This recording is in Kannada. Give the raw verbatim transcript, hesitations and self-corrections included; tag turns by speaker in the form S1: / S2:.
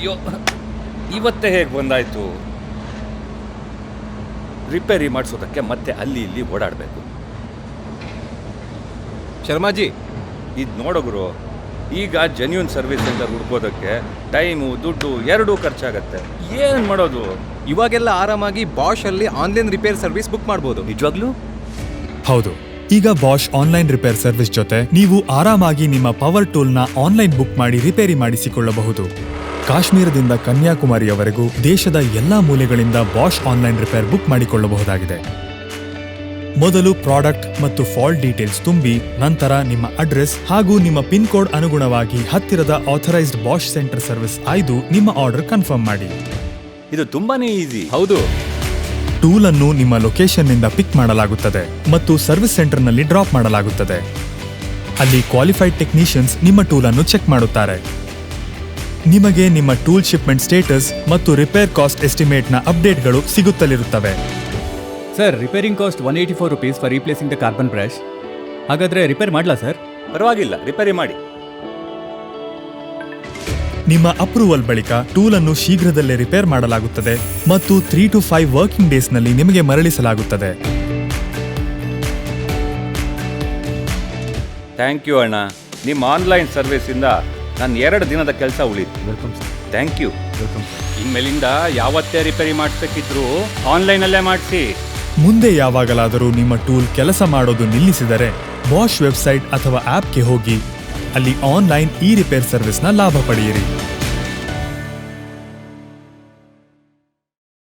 S1: ಅಯ್ಯೋ, ಇವತ್ತೇ ಹೇಗೆ ಬಂದಾಯ್ತು? ರಿಪೇರಿ ಮಾಡಿಸೋದಕ್ಕೆ ಮತ್ತೆ ಅಲ್ಲಿ ಇಲ್ಲಿ ಓಡಾಡಬೇಕು.
S2: ಶರ್ಮಾಜಿ,
S1: ಇದು ನೋಡೋಗುರು, ಈಗ ಜೆನ್ಯೂನ್ ಸರ್ವಿಸ್ ಸೆಂಟರ್ ಹುಡ್ಕೋದಕ್ಕೆ ಟೈಮು ದುಡ್ಡು ಎರಡೂ ಖರ್ಚಾಗತ್ತೆ. ಏನು ಮಾಡೋದು?
S2: ಇವಾಗೆಲ್ಲ ಆರಾಮಾಗಿ ಬಾಷ್ ಅಲ್ಲಿ ಆನ್ಲೈನ್ ರಿಪೇರ್ ಸರ್ವಿಸ್ ಬುಕ್ ಮಾಡ್ಬೋದು.
S1: ನಿಜವಾಗ್ಲೂ?
S3: ಹೌದು, ಈಗ ಬಾಷ್ ಆನ್ಲೈನ್ ರಿಪೇರ್ ಸರ್ವಿಸ್ ಜೊತೆ ನೀವು ಆರಾಮಾಗಿ ನಿಮ್ಮ ಪವರ್ ಟೂಲ್ನ ಆನ್ಲೈನ್ ಬುಕ್ ಮಾಡಿ ರಿಪೇರಿ ಮಾಡಿಸಿಕೊಳ್ಳಬಹುದು. ಕಾಶ್ಮೀರದಿಂದ ಕನ್ಯಾಕುಮಾರಿಯವರೆಗೂ ದೇಶದ ಎಲ್ಲಾ ಮೂಲೆಗಳಿಂದ ಬಾಷ್ ಆನ್ಲೈನ್ ರಿಪೇರ್ ಬುಕ್ ಮಾಡಿಕೊಳ್ಳಬಹುದಾಗಿದೆ. ಮೊದಲು ಪ್ರಾಡಕ್ಟ್ ಮತ್ತು ಫಾಲ್ಟ್ ಡೀಟೇಲ್ಸ್ ತುಂಬಿ, ನಂತರ ನಿಮ್ಮ ಅಡ್ರೆಸ್ ಹಾಗೂ ನಿಮ್ಮ ಪಿನ್ ಕೋಡ್ ಅನುಗುಣವಾಗಿ ಹತ್ತಿರದ ಆಥರೈಸ್ಡ್ ಬಾಷ್ ಸೆಂಟರ್ ಸರ್ವಿಸ್ ಆಯ್ದು ನಿಮ್ಮ ಆರ್ಡರ್ ಕನ್ಫರ್ಮ್ ಮಾಡಿ.
S1: ಇದು ತುಂಬಾನೇ ಈಸಿ.
S2: ಹೌದು,
S3: ಟೂಲ್ ಅನ್ನು ನಿಮ್ಮ ಲೊಕೇಶನ್ನಿಂದ ಪಿಕ್ ಮಾಡಲಾಗುತ್ತದೆ ಮತ್ತು ಸರ್ವಿಸ್ ಸೆಂಟರ್ನಲ್ಲಿ ಡ್ರಾಪ್ ಮಾಡಲಾಗುತ್ತದೆ. ಅಲ್ಲಿ ಕ್ವಾಲಿಫೈಡ್ ಟೆಕ್ನಿಷಿಯನ್ಸ್ ನಿಮ್ಮ ಟೂಲ್ ಅನ್ನು ಚೆಕ್ ಮಾಡುತ್ತಾರೆ. ನಿಮಗೆ ನಿಮ್ಮ ಟೂಲ್ ಶಿಪ್ಮೆಂಟ್ ಸ್ಟೇಟಸ್ ಮತ್ತು ರಿಪೇರ್ ಕಾಸ್ಟ್ ಎಸ್ಟಿಮೇಟ್ನ ಅಪ್ಡೇಟ್ಗಳು ಸಿಗುತ್ತಲಿರುತ್ತವೆ.
S4: Sir, repairing cost one eighty four rupees for replacing the carbon brush. ಹಾಗಾದರೆ ರಿಪೇರ್ ಮಾಡಲಾ ಸರ್?
S1: ಪರವಾಗಿಲ್ಲ, ರಿಪೇರಿ ಮಾಡಿ.
S3: ನಿಮ್ಮ ಅಪ್ರೂವಲ್ ಬಳಿಕ ಟೂಲ್ ಅನ್ನು ಶೀಘ್ರದಲ್ಲೇ ರಿಪೇರ್ ಮಾಡಲಾಗುತ್ತದೆ ಮತ್ತು ತ್ರೀ ಟು ಫೈವ್ ವರ್ಕಿಂಗ್ ಡೇಸ್ನಲ್ಲಿ ನಿಮಗೆ ಮರಳಿಸಲಾಗುತ್ತದೆ.
S1: ಥ್ಯಾಂಕ್ ಯು ಅಣ್ಣ. ನಿಮ್ಮ ಆನ್ಲೈನ್ ಸರ್ವಿಸಿಂದ ನನ್ನ ಎರಡು ದಿನದ ಕೆಲಸ ಉಳಿತು.
S4: Welcome sir.
S1: Thank you.
S4: Welcome sir.
S1: ಇನ್ಮೇಲಿಂದ ಯಾವತ್ತೇ ರಿಪೇರಿ ಮಾಡಿಸ್ಬೇಕಿದ್ರು ಆನ್ಲೈನಲ್ಲೇ ಮಾಡಿಸಿ.
S3: ಮುಂದೆ ಯಾವಾಗಲಾದರೂ ನಿಮ್ಮ ಟೂಲ್ ಕೆಲಸ ಮಾಡೋದು ನಿಲ್ಲಿಸಿದರೆ ಬಾಷ್ ವೆಬ್ಸೈಟ್ ಅಥವಾ ಆಪ್ಗೆ ಹೋಗಿ ಅಲ್ಲಿ ಆನ್ಲೈನ್ ಇ ರಿಪೇರ್ ಸರ್ವಿಸ್ನ ಲಾಭ ಪಡೆಯಿರಿ.